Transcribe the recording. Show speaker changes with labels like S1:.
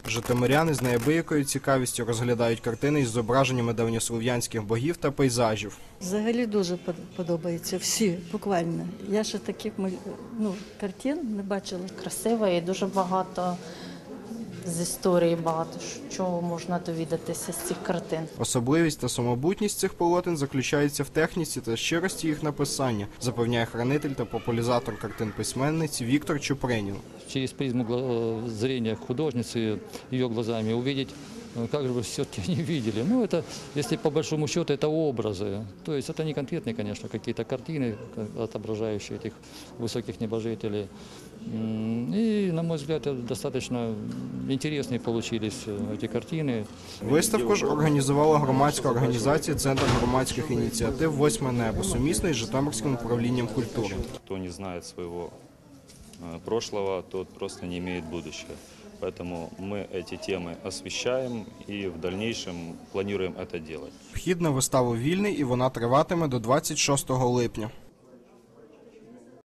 S1: Житомиряни з неабиякою цікавістю розглядають картини із зображеннями давньослов'янських богів та пейзажів.
S2: Взагалі дуже подобається, всі, буквально. Я ще таких картин не бачила.
S3: Красиво і дуже багато з історії, багато чого можна довідатися з цих картин.
S1: Особливість та самобутність цих полотен заключається в техніці та щирості їх написання, запевняє хранитель та популяризатор картин письменниці Віктор Чупринін.
S4: Через призму зрения художницы, ее глазами увидеть, как же вы все-таки не видели. Ну, это, если по большому счету, это образы. То есть это не конкретные, конечно, какие-то картины, отображающие этих высоких небожителей. И, на мой взгляд, достаточно интересные получились эти картины.
S1: Виставку ж організувала громадська організація «Центр громадських ініціатив «Восьме небо», сумісно із Житомирським управлінням культури.
S5: Хто не знає свого прошлого, тот просто не имеет будущего. Поэтому мы эти темы освещаем и в дальнейшем планируем это делать.
S1: Вхід на виставу вільний і вона триватиме до 26 липня.